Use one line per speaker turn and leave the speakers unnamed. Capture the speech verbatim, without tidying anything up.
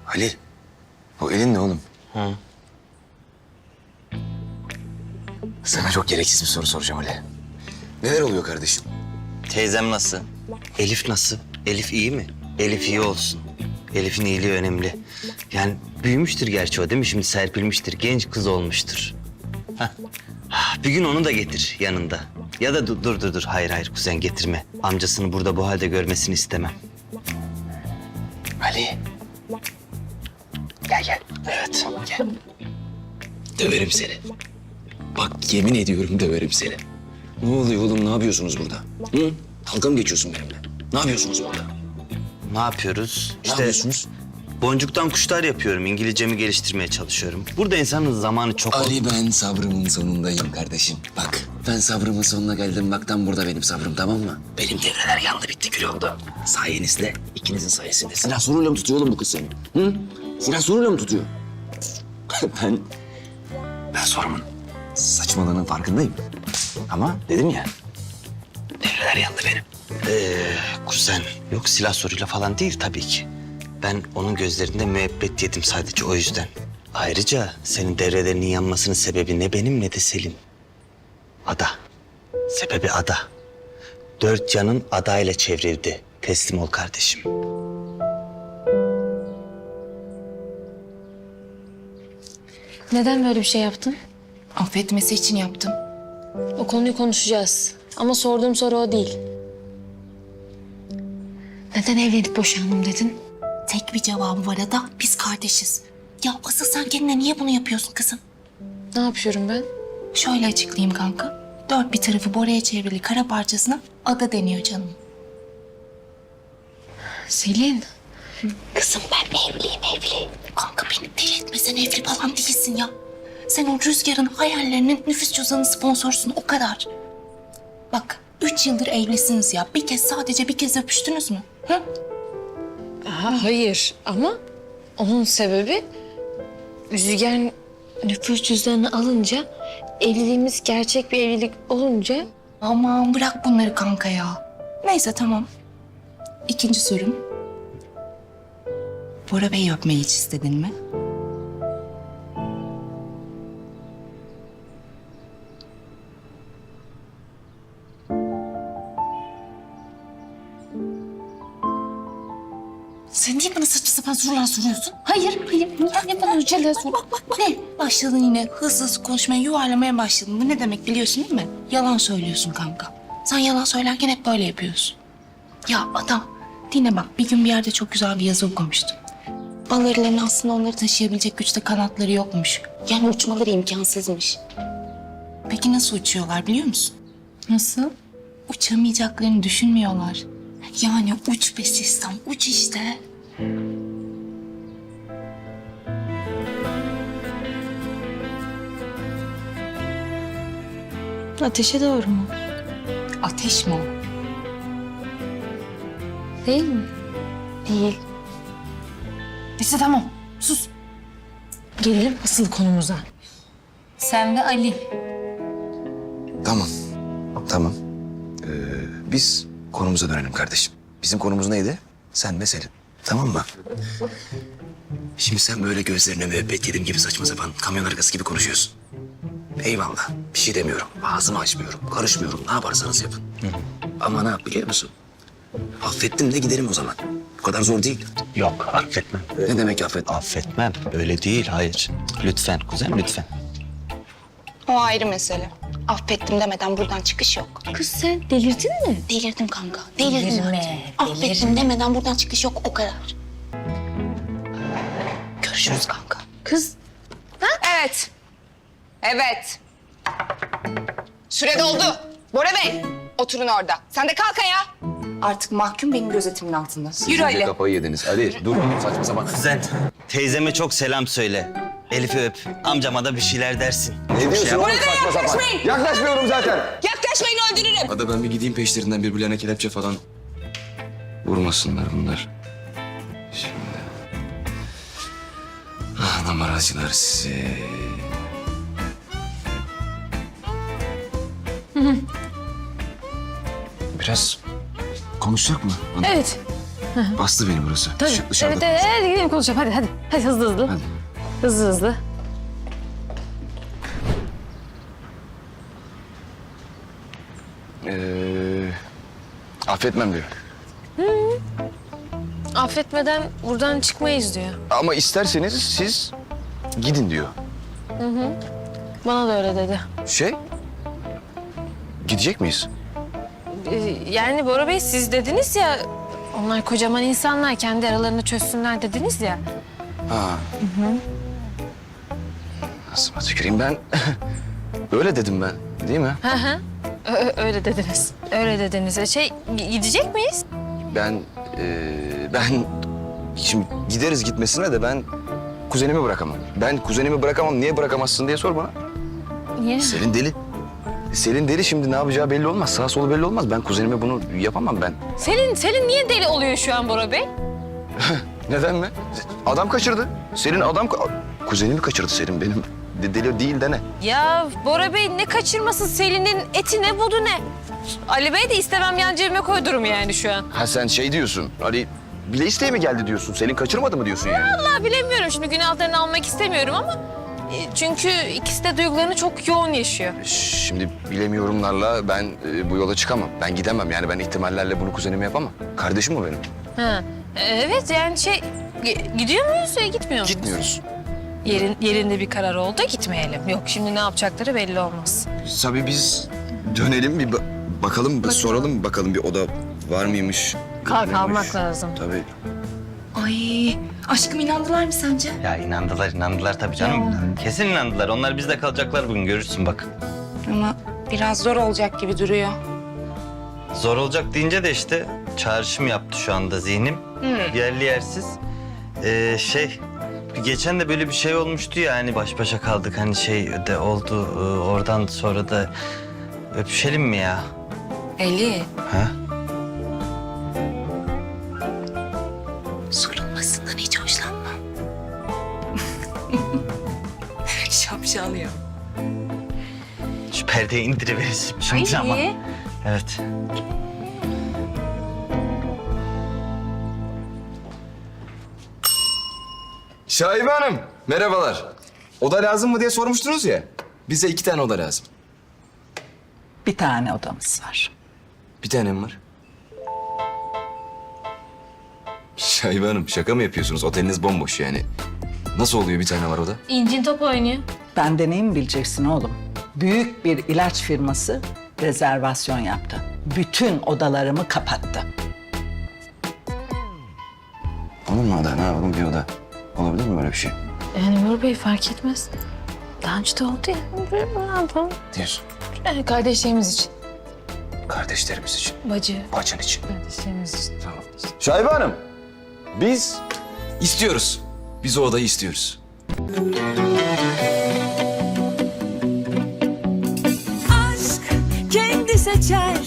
Ali, o elin ne oğlum?
Hı.
Sana çok gereksiz bir soru soracağım Ali. Neler oluyor kardeşim?
Teyzem nasıl? Elif nasıl? Elif iyi mi? Elif iyi olsun. Elif'in iyiliği önemli. Yani büyümüştür gerçi o değil mi? Şimdi serpilmiştir, genç kız olmuştur. Hah. Ah, bir gün onu da getir yanında. Ya da dur dur dur, dur. Hayır hayır kuzen getirme. Amcasını burada bu halde görmesini istemem.
Ali. Gel gel.
Evet.
Gel. Döverim seni. Bak yemin ediyorum döverim seni. Ne oluyor oğlum, ne yapıyorsunuz burada? Hı? Dalga mı geçiyorsun benimle? Ne yapıyorsunuz burada?
Ne yapıyoruz?
Ne yapıyorsunuz?
Boncuktan kuşlar yapıyorum. İngilizcemi geliştirmeye çalışıyorum. Burada insanın zamanı çok...
Ali, ben sabrımın sonundayım kardeşim. Bak ben sabrımın sonuna geldim. Bak tam burada benim sabrım, tamam mı? Benim devreler yandı, bitti, kül oldu. Sayenizde, ikinizin sayesinde. Silah soruyla mı tutuyor oğlum bu kız seni? Hı? Silah soruyla mı tutuyor? ben... Ben sorumun saçmalığının farkındayım. Ama dedim ya, devreler yandı benim.
Ee, kuzen. Yok silah soruyla falan değil tabii ki. Ben onun gözlerinde müebbet yedim sadece o yüzden. Ayrıca senin devrelerinin yanmasının sebebi ne benim ne de Selin. Ada. Sebebi Ada. Dört yanın Ada ile çevrildi. Teslim ol kardeşim.
Neden böyle bir şey yaptın?
Affetmesi için yaptım.
O konuyu konuşacağız. Ama sorduğum soru o değil. Neden evlenip boşandım dedin?
Tek bir cevabı var Ada. Biz kardeşiz. Ya asıl sen kendine niye bunu yapıyorsun kızım?
Ne yapıyorum ben?
Şöyle açıklayayım kanka. Dört bir tarafı Bora'ya çevrili kara parçasına Ada deniyor canım.
Selin.
Kızım ben evliyim evli. Kanka beni deli etme, sen evli falan değilsin ya. Sen o Rüzgar'ın hayallerinin nüfus cüzdanı sponsorsun, o kadar. Bak üç yıldır evlisiniz ya. Bir kez, sadece bir kez öpüştünüz mü? Hı?
Aha, hayır ama onun sebebi Rüzgar nüfus cüzdanını alınca, evliliğimiz gerçek bir evlilik olunca...
Aman bırak bunları kanka ya. Neyse tamam. İkinci sorum. Bora Bey'i öpmeyi hiç istedin mi? Sen niye bana saçma sapan sorular soruyorsun? Hayır, hayır. Niye bana öyle sor? Bak, bak, bak. Ne? Başladın yine hızlı hızlı konuşmaya, yuvarlamaya başladın. Bu ne demek biliyorsun değil mi? Yalan söylüyorsun kanka. Sen yalan söylerken hep böyle yapıyorsun. Ya adam, dinle bak. Bir gün bir yerde çok güzel bir yazı okumuştum. Bal arılarının aslında onları taşıyabilecek güçte kanatları yokmuş. Yani uçmaları imkansızmış. Peki nasıl uçuyorlar biliyor musun?
Nasıl?
Uçamayacaklarını düşünmüyorlar. Yani uç be sistem, uç işte.
Ateşe doğru mu?
Ateş mi o?
Değil mi? Değil.
Neyse tamam, sus.
Gelelim asıl konumuza.
Sen ve Ali.
Tamam, tamam. Ee, biz konumuza dönelim kardeşim. Bizim konumuz neydi? Sen ve Selin. Tamam mı? Şimdi sen böyle gözlerine müebbet yedim gibi saçma sapan kamyon arkası gibi konuşuyorsun. Eyvallah, bir şey demiyorum. Ağzımı açmıyorum, karışmıyorum. Ne yaparsanız yapın. Ama ne yap biliyor musun? Affettim de gidelim o zaman. Bu kadar zor değil.
Yok affetmem.
Ne demek affet?
Affetmem. Öyle değil hayır. Lütfen kuzen lütfen.
O ayrı mesele. Affettim demeden buradan çıkış yok.
Kız sen delirdin mi?
Delirdim kanka, delirdim
Delirme,
artık. Affettim demeden buradan çıkış yok, o kadar. Görüşürüz kanka.
Kız
Evet. Evet. Süre doldu. Bora Bey, oturun orada. Sen de kalk ayağa.
Artık mahkum benim gözetimin altında.
Yürü Ali.
Kafayı yediniz. Ali dur, saçma sapan.
Kuzen teyzeme çok selam söyle. Elif'i öp. Amcama da bir şeyler dersin.
Ne diyorsun oğlum saçma sapan?
yaklaşmayın.
Yaklaşmıyorum zaten.
Yaklaşmayın, öldürürüm.
Hadi ben bir gideyim peşlerinden, birbirlerine kelepçe falan vurmasınlar bunlar. Şimdi. Ah numaracılar sizi. Biraz konuşacak mı? Ana?
evet
Bastı beni burası.
Tabii.
Şu dışarıda.
Evet, evet, evet, gidelim konuşalım. Hadi, hadi. Hadi hızlı hızlı.
Hadi.
Hızlı hızlı.
Ee, affetmem diyor.
Affetmeden buradan çıkmayız diyor.
Ama isterseniz siz gidin diyor.
Bana da öyle dedi.
Şey, gidecek miyiz?
Ee, yani Bora Bey siz dediniz ya... Onlar kocaman insanlar, kendi aralarını çözsünler dediniz ya.
Ha. Nasıl tüküreyim ben? Öyle dedim ben, değil mi?
Hı hı. Ö- öyle dediniz. Öyle dediniz. E, Şey, gi- gidecek miyiz?
Ben, e, ben şimdi gideriz gitmesine de ben kuzenimi bırakamam. Ben kuzenimi bırakamam, niye bırakamazsın diye sor bana.
Niye?
Selin deli. Selin deli, şimdi ne yapacağı belli olmaz. Sağ solu belli olmaz. Ben kuzenime bunu yapamam ben.
Selin, Selin niye deli oluyor şu an Bora Bey?
Neden mi? Adam kaçırdı. Selin adam... ka- Kuzenimi kaçırdı Selin benim. De- deli değil de ne?
Ya Bora Bey ne kaçırması, Selin'in eti ne budu ne? Ali Bey de istemem yan cebime koydurum yani şu an.
Ha sen şey diyorsun, hani bile isteye mi geldi diyorsun? Selin kaçırmadı mı diyorsun yani?
Vallahi bilemiyorum, şimdi günahlarını almak istemiyorum ama... e, Çünkü ikisi de duygularını çok yoğun yaşıyor.
Şimdi bilemiyorumlarla ben e, bu yola çıkamam. Ben gidemem yani, ben ihtimallerle bunu kuzenime yapamam. Kardeşim o benim.
Ha. e, Evet yani şey... gi- Gidiyor muyuz ya gitmiyor muyuz?
Gitmiyoruz.
Yerin, yerinde bir karar oldu, gitmeyelim. Yok şimdi ne yapacakları belli olmaz.
Tabii biz dönelim bir ba- bakalım, bir soralım bakalım bir oda var mıymış?
Kalk
yok muymuş?
almak lazım.
Tabii.
Ay aşkım inandılar mı sence?
Ya inandılar, inandılar tabii canım. Kesin inandılar. Onlar bizde kalacaklar bugün, görürsün bak.
Ama biraz zor olacak gibi duruyor.
Zor olacak deyince de işte çağrışım yaptı şu anda zihnim. Yerli yersiz. Ee, şey, bir geçen de böyle bir şey olmuştu ya, hani baş başa kaldık, hani şey de oldu. Ee, oradan sonra da öpüşelim mi ya?
Eli.
Ha?
Sorulmasından hiç hoşlanmam. Şapşal ya.
Şu perdeyi indiriveririz şimdi ama. Evet.
Şahibe Hanım, merhabalar. Oda lazım mı diye sormuştunuz ya. Bize iki tane oda lazım.
Bir tane odamız var.
Bir tane mi var? Şahibe Hanım, şaka mı yapıyorsunuz? Oteliniz bomboş yani. Nasıl oluyor bir tane var oda?
İncin top oynuyor.
Benden iyi mi bileceksin oğlum? Büyük bir ilaç firması rezervasyon yaptı. Bütün odalarımı kapattı.
Olur mu oda? Ne yapalım bir oda? Olabilir mi böyle bir şey?
Yani Bora Bey fark etmez. Daha önce de oldu ya. Ne yapalım?
Diyorsun.
Yani kardeşlerimiz için.
Kardeşlerimiz için,
Bacı.
bacın için.
Kardeşlerimiz için.
Tamam. Şahibe Hanım, biz istiyoruz. Biz o odayı istiyoruz.
aşk kendi seçer